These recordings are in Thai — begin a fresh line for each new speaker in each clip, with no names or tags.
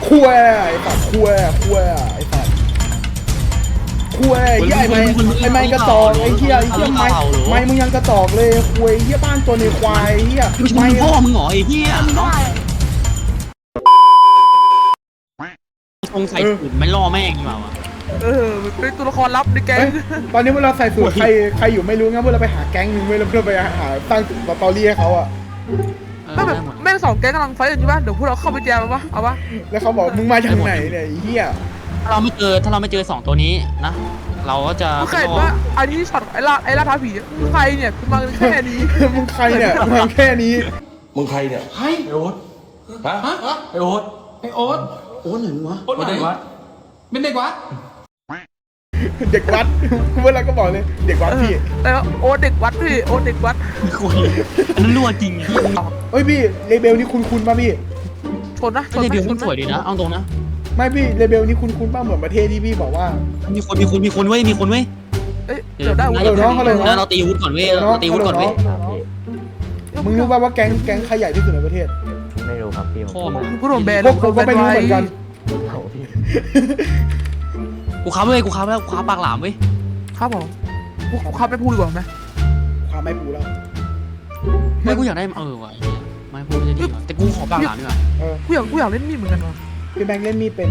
คุยไอ้สัตว์คุยไอ้สัตว์คุยไอ้ไม้กระจอกไอ้เหี้ยไม้มึงยังกระจอกเลยคุยเหี้ยบ้านตัวในควายเหี้ย
ไม่พ่อมึงเหรอไอ้เหี้ยคงใส่ถุงไม่ล่อแม่งดีกว่าวะ
เป็นตัวละครลับในแก๊ง
ตอนนี้เวลาใส่สูตรใครอยู่ไม่รู้งั้นเวลาไปหาแก๊งนึงเวลาเพื่อไปหาตั้งสตอรี่ให้เขาอะ
แม่งสองแก๊งกำลังไฟกันอยู่ป่ะเดี๋ยวพวกเราเข้าไปแจมปะเอาปะ
แล้วเขาบอกมึงมาจากไหนเนี่ยไอ้เหี้ย
ถ้าเราไม่เจอสองตัวนี้นะเราก็จะ
มึงเคยเห็นว่าอันนี้ช็อตไอ้ล่าท้าผีใครเนี่ยคือมาแค่นี้
มึงใครเนี่ยมาแค่นี้
มึงใครเนี่ย
ใคร
ไอโอ๊ตฮะไอโอ๊ต
ไอโอ๊ต
โอ๊ตไหนวะ
โอ๊ตไหนเป็นเด็กวัด
เด็กวัดเวลาก็บอกเลยเด็กวัดพี่
แต่โอ๊ตเด็กวัดพี่โอ๊ตเด็กวัด
คุยอันนั้นรั่วจริงพี่
เฮ้ยพี่เลเบลนี่คุ้นป่ะพี่
ชนนะชน
เดี๋ยวมันสวยดีนะเอาตรงนะ
ไม่พี่เลเบลนี่คุ้นป่ะเหมือนประเทศที่พี่บอกว่า
มีคนเว้ย
เอ้ยเดี๋ยวได้
แล้วเราตีวุฒิก่อนเว้ยเราตีวุฒิก่อนเว้ย
มึงรู้ป่ะว่าแก๊งใครใหญ่ที่สุดในประเทศ
ไม่รู้ครับพี่ผม
พ่อมึง
กูโดนแบน
พวกผมก็ไม่รู้เหมือนกัน
เอาพี่
กูค้าเว้ยกูค้าแล้วกูค้าปากหลามเว้ย
ครับผมกูขับไม่พูดดีกว่าไหม
ความไม่ปูแล้ว
ไม่กูอยากได้ว่ะไม่พูดจะดีแต่กูขอปากหลามดีกว่า
กูอยากเล่นมีดเหมือนกันวะ
พี่แบงค์เล่นมีดเป็น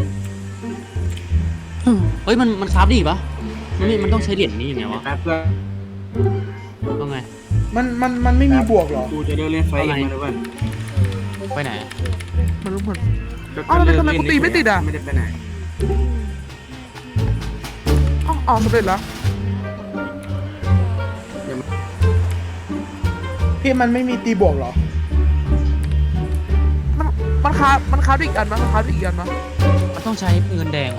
เฮ้ยมันคราฟดีปะมันต้องใช้เหรียญนี้ยังไงวะ
แป๊บเพื่อน
ต้องไง
มันไม่มีบวกหรอ
กูจะเดินเล่นไฟเองมาเลยเว้ย
ไปไหน
มันรู้เหมือนอ้าวแล้วทำไมกูตีไม่ติดอ่ะ
ไม่ได้ไปไหน
อ๋อสำเร็จแล้ว
พี่มันไม่มีตีบวกหรอ
มันค้าอีกอันมั้ยมันค้าอีกอันมั้ย
มันต้องใช้เงินแดง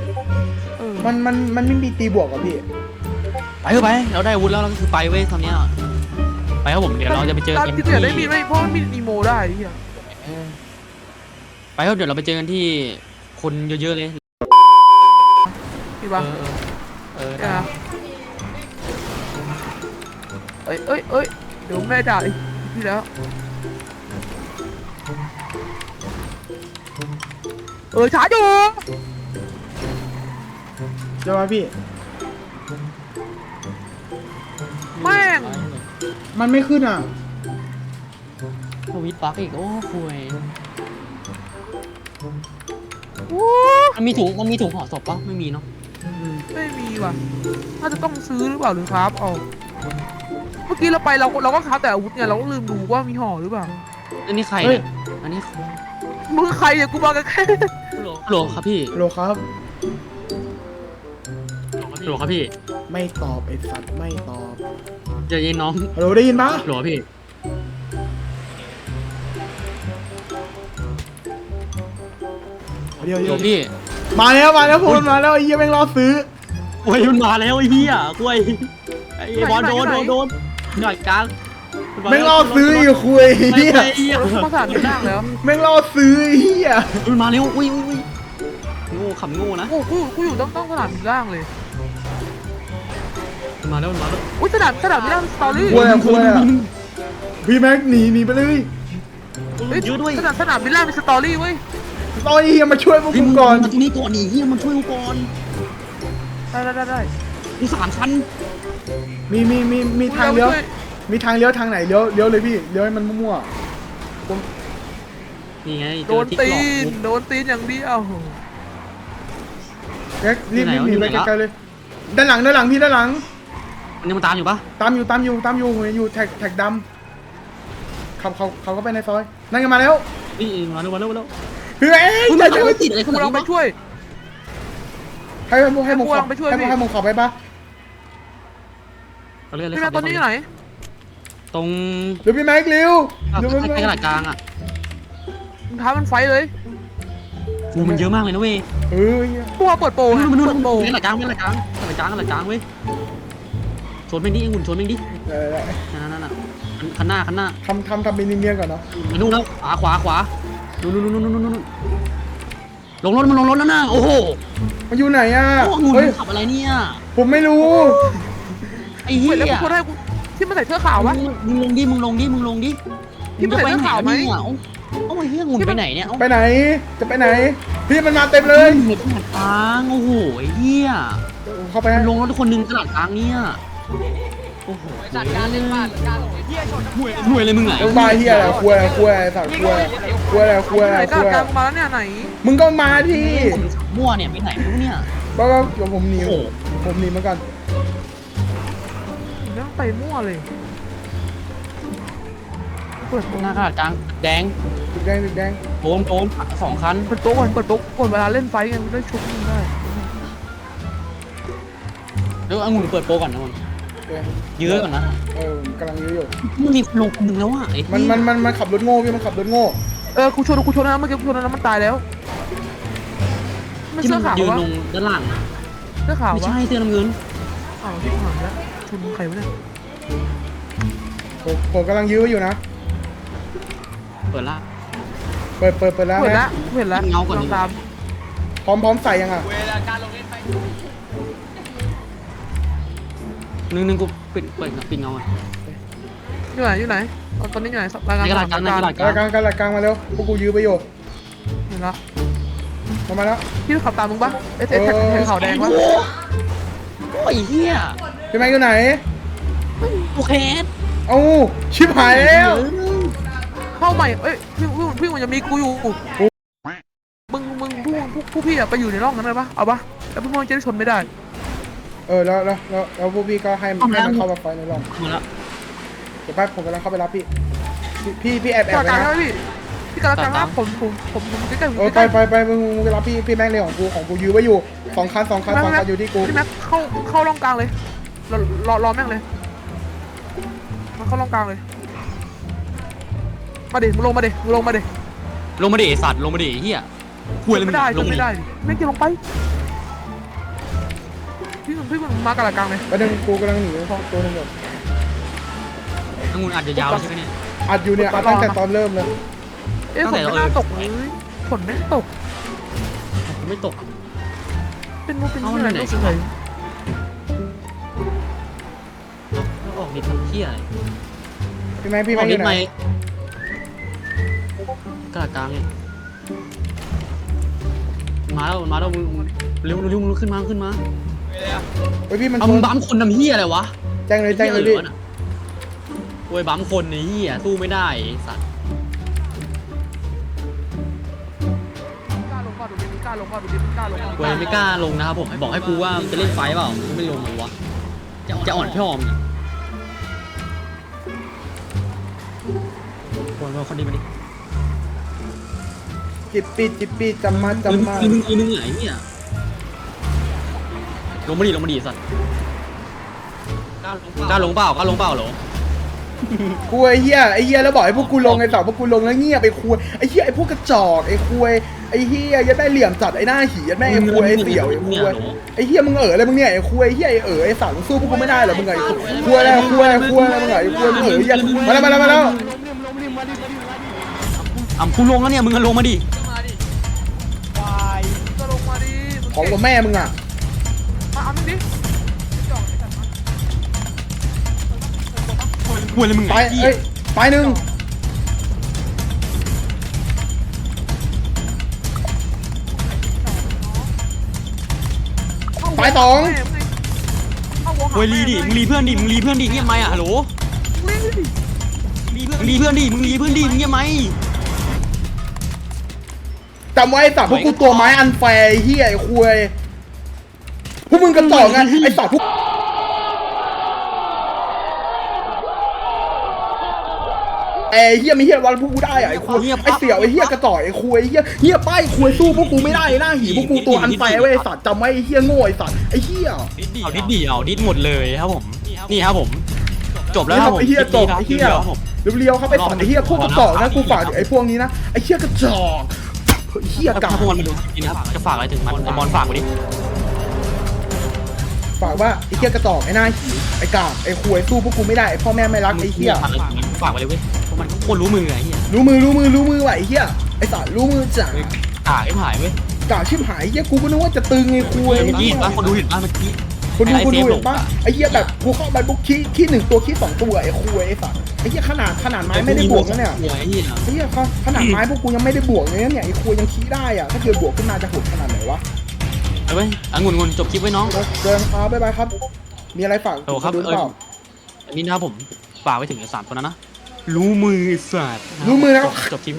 มันไม่มีตีบวกหรอพี่
ไปเถอะไปเราได้อาวุธแล้วเราก็คือไปเว้ยตอนเนี้ยไปครับผมเดี๋ยวเราจะไปเจอกัน
ที่อยากได้มีดไหมเพราะมันมีอีโมได้เฮีย
ไปครับเดี๋ยวเราไปเจอกันที่คนเยอะๆเลย
พี่ปะ
ได้
เอ้ยเดี๋ยวแม่ด่าอีกทีแล้วช้าอยู่
เดี๋ยวมาพี่
แม่ง
มันไม่ขึ้นอ่ะ
ทวิตปักอีกโอ้คุย
โอ้
มันมีถุงห่อศพปะไม่มีเนาะ
ไม่มีว่ะน่าจะต้องซื้อหรือเปล่าหรือครับเอาเมื่อกี้เราไปเราก็ค้าแต่อาวุธไงเราก็ลืมดูว่ามีห่อหรือเปล่า
อันนี้ใครเนี่ยอันนี้
มึงใครเนี่ยกูมากันแค่
ฮัลโหลครับพี่
โลครับ
ฮัลโหลครับพี่
ไม่ตอบไอ้สัตว์ไม่ตอบ
เจอเย็นน้อง
ฮัลโหลได้ยินปะ
ฮัลโหลพี่
เดี๋ยว
ฮัลโหลพี่
มาแล้วพูดมาแล้วไอ้เหี้ยแม่งรอซื้อ
โอ้ยมันมาแล้วไอ้เหี้ยคุยไอ้บอลโดนหน่อยกลาง
แม่งรอซื้ออีกคุยเหี้ย
ไอ้เหี้ย
ภาษาดีนั่งแล้ว
แม่งรอซื้อไอ้เหี้ย
มันมาเร็วอุ้ยโง่ขำโง่นะ
กูอยู่ต้องสนามบินล่างเลย
มันมาแล้ว
อุ้ยสนามบินล่างสตอรี่
คุยอ่ะพี่แม็กหนีไปเลย
เยอะด้วย
สนามบินล่างมีสตอรี่เว้ย
ตอนนี้มาช่วยพวกกูก่อน
มาตรงนี้ก่อนนี่เฮียมันช่วยกูก่อน
ได้
มี3 ชั้น
มีทางเลี้ยวมีทางเลี้ยวทางไหนเลี้ยวเลยพี่เลี้ยวให้มันมั่ว
นี่ไง
โดนตีนอย่างเดียว
แม็กรีบหนีไปไกลๆเลยด้านหลังพี่ด้านหลัง
มันยังตามอยู่ปะ
ตามอยู่อยู่แท็กดำเขาก็ไปในซอยนั่นกันมาแล้ว
นี่มาแล้ว
เฮ้ย
มันไม่ติดอะไรข
กู
นาด
ลอง
นี้
ไป
ปะ
ช่วย
ให้มึงขับให้มึงขับไปปะ
เขาเรียกอะไร
พี่แม่ตอนนี้อยู่ไหน
ตรง
เดี๋ยวพี่แม็กเร็ว
ใกล้ขนาดกลางอ่ะ
มึงท้ามันไฟเลย
กูมันเยอะมากเลยนะเว้ย
พวกเปิดโปร
มันนู่น
เปิดโปร
ขนาดกลางเว้ยชนแม่งดิชนแม่งดินั่นคันหน้า
ทำเป็นเนียนก่อนเนาะ
ไปนู่นแล้วขวานู่นลงรถมันลงรถแล้วนะโอ้โห
มันอยู่ไหนอ่ะ
งูขับอะไรเนี่ย
ผมไม่รู้
ไอ้เหี้ย
แล้วกูให้กูที่มันใส่เสื้อขาววะ
มึงลงดิ
ที่มันใส่เสื้อขาวไหม
โอ้ยเฮียงูไปไหนเนี่ย
ไปไหนจะไปไหนพี่มันมาเต็มเลย
เห็นตลาดกลางโอ้โหไอ้เหี้ย
เข้าไป
มันลงรถคนหนึงตลาดกลางเนี่ยโอ้โหจัดการเล่นบ้านห่วยเลยมึงไง
ลงมาเฮียอะไรคุยสัตว์คุยอะไร
ไหนกลางกลางมาแล้วเนี่ยไหน
มึงก็มาที่
ผมมั่วเนี่ยไปไหนไม่รู้เนี่ย
ก็เดี๋ยวผมหนีเหมือนกัน
เรื่องไปมั่วเลยเปิด
หน้าตลาดกลางแดง
แดง
โดน2 คัน
เปิดโต๊ะก่อนเปิดโต๊ะก่อนเวลาเล่นไฟกันได้ชุบมึงได้
แล้วองุ่นเปิดโปรก่อนนะมันยื้อก่อนนะ
กำลังยื้ออยู่
มึงมีลงคนหนึ่งแล้วอ่ะไอ้
มันขับรถโง่พี่มันขับรถโง่
กูชนนะเมื่อกี้กูชนนะมันตายแล้วไม่
ที่
เสื้
มั
อน ขาว
ยืน
วะ
ลงด้านล่าง
เสื้อขาว
ไม่
วะ
ใช่เสื้อน้ำเงิน
อ้าวที่ผ่านแล้วชนใครวะเนี่ย
ผมกำลังยื้ออยู่นะ
เปิดละ
เปิดแล้ว
เห็น
นะ
ละเห็นละ
เงาก่อน
ลองตาม
พร้อมใส่ยังอ่ะ
นึงกูปิดเงาอ่ะ
อยู่ไหนตอนนี้อยู่ไหนรายงาน
ในกระดาษกลางในกระดาษ
กลางมาเร็วพวกกูยื้อไปอยู่
เห็นละ
มาแล้ว
พี่ขับตามมึงปะแท็กขาวแดงปะ
โอ้ยเหี้ย
พี่แม็กอยู่ไหน
โอเค
เอ้าชิบหายแล้ว
เข้าใหม่พี่มันจะมีกูอยู่มึงผู้พี่อะไปอยู่ในร่องนั้นเลยปะเอาปะแล้วพวกมึงจะได้ชนไม่ได้
แล้วพวกพี่ก็ให้มันเข้ามาไฟในร่อง
มาแล้ว
เดี๋ยวแป๊บผมกำลังเข้าไปรับพี่แอบ
กระ
ไว้
กลาง
นะ
แล้วพี่กระกลางแล้วผมใกล้ๆ
ไปมึงไปรับพี่แม็กเลยของกูยื้อไว้อยู่2 คันอยู่ที่กู
พี่แม็กเข้าร่องกลางเลยรอแม่งเลยมันเข้าร่องกลางเลยมาดิมึงลงมาดิ
ลงมาดิไอ้สัตว์ลงมาดิไอ้เหี้ยคุยเลยมึ
ไม่
ง
ได้
ลง
ไม่ได้แม่งจะลงไปพี่มึงมากระกลางเลย
ประเด็นกูกำลังหนีเข้าตัวนึงอยู่
องุ่นอาจจะยาวใช่ไหมเนี่ย
อัดอยู่เนี่ยอัดตั้งแต่ตอนเริ่มเลย
ฝนไม่น่าตกเลยฝนไม่ตก
ไม่ตก
เป็นมุกเป็นที่อะไรก็สวย
แล้วออกนิดทำเหี้ยอะไร
พี่แม็ก
อ
อ
อกนิ
ยู่
ด
ไห
ไห
น
มกระดาษกลางเนี่ยมาแล้วมึงเร็วมึงขึ้นมา
พี่มัน
เอามึงบั๊มคนทำเหี้ยอะไรวะ
แจ้งเลยพี่
โวยบั๊มคนไอ้เหี้ยสู้ไม่ได้สัตว์
กล้าลงก่อนดูดิกล้าลงก่อนดูดิกล้าลง
โวยไม่กล้าลงนะครับผมบอกให้กูว่าจะเล่นไฟเปล่ามึงไม่ลงเลยวะจะอ่อนพี่ออมโวยคนดีมาดิ
จิบปีจำมา
มึงไหนเนี่ยลงมาดิสัตว์กล้าลงเปล่าเหรอ
คุยไอ้เหี้ยแล้วบอกให้พวกกูลงไอ้สาวพวกกูลงแล้วเงียบไอ้คุยไอ้เหี้ยไอ้พวกกระจอกไอ้คุยไอ้เหี้ยยัดได้เหลี่ยมจัดไอ้หน้าหียัดแม่ไอ้คุยไอ้เสี่ยวไอ้คุยไอ้เหี้ยมึงอะไรมึงเนี่ยไอ้คุยไอ้เหี้ยไอ้สาวมึงสู้พวกกูไม่ได้หรอมึงไงคุยอะไรมึงไงไอ้คุยมึงไงเหี้ยมาแล้ว
กูลงแล้วเนี่ยมึงก็ลงมาดิ
ก็ลงมาดิ
ของกับแม่มึงอ่ะ
มาเอามึงดิ
โวยเลยมึง
ไปหนึ่งไป2
โวยรีดิมึงรีเพื่อนดิเงียบไหมอ่ะฮัลโหลรีเพื่อนดิมึงเงียบไหม
จำไว้ไอ้สัตว์พวกกูตัวไม้อันแฟร์ไอ้เหี้ยไอ้คุยพวกมึงกระจอกไงไอ้สัตว์พวกไอ้เหี้ยมีเหี้ยวันพวกกูได้อะไอ้คุยไอ้เสี่ยวไอ้เหี้ยกระจอกไอ้คุยไอ้เหี้ยป้ายคุยสู้พวกกูไม่ได้หน้าหีพวกกูตัวอันแฟร์เว้ยไอ้สัตว์จำไว้ไอ้เหี้ยโง่ไอ้สัตว์ไอ้เหี้ย
เอาดิดหมดเลยครับผมนี่ครับผมจบแล้วครับผม
ไอ้เหี้ยจบไอ้เหี้ยเรียวๆครับไอ้สัตว์ไอ้เหี้ยพวกกระจอกนะกูฝากไอ้พวกนี้นะไอ้เหี้ยกระจอกเหี้ยกา
ถ้าพวกมันมาดูนี่นะครับจะฝากอะไรถึงมันไอ้บอลฝากไว้ดิ
ฝากว่าไอ้เหี้ยกระจอกไอ้หน้าหีไอ้กาบไอ้คุยสู้พวกกูไม่ได้ไอ้พ่อแม่ไม่รักไอ้เหี้ย
ฝากไว้เลยเว้ยเพราะมันโคตรรู้มือไอ้เหี้ย
รู้มือว่ะไอ้เหี้ยไอ้สัตว์รู้มือจ้ะ
ไอ้ผายเว้ย
กาชิบหายไอ้เหี้ยกูก็นึกว่าจะตึงไอ้คุย
เมื่อกี้เห็นป่ะคนดูเห็นป่ะเมื่อกี้
คุณดูเห็นปะไอ้เหี้ยแบบกูเข้าไปปุ๊บขี้1ตัวขี้2ตัวไอ้คุยไอ้สัตว์ไอ้เหี้ยขนาดไม้ไม่ได้บวกนะเนี่ย
ไอ้เหี้ย
ไอ้เหี้ยขนาดไม้พวกกูยังไม่ได้บวกเลยนะเนี่ยไอ้คุยยังขี้ได้อ่ะถ้าเกิดบวกขึ้นมาจะโหดขนาดไหนวะ
ไปเว้ยองุ่นจบคลิปไว้น้อง
เดินครับบ๊ายบายครับ มีอะไรฝาก
โอ้ครับ
ดูเปล่า
อันนี้นะครับผมฝากไว้ถึงไอ้3ตัวนั้นนะรู้มือไอ้สัตว์
รู้มือนะ
จบคลิป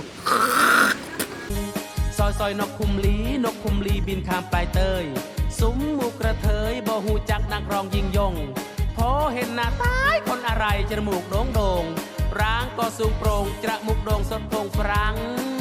ซอยนกคุมลีบินข้ามปลายเตยซุ้มหมูกระเทยบ่หูจักนักร้องยิงยงพอเห็นหน้าตายคนอะไรจมูกโด่งร้างก็สูงโปร่งจมูกโด่งสดโพงฟรัง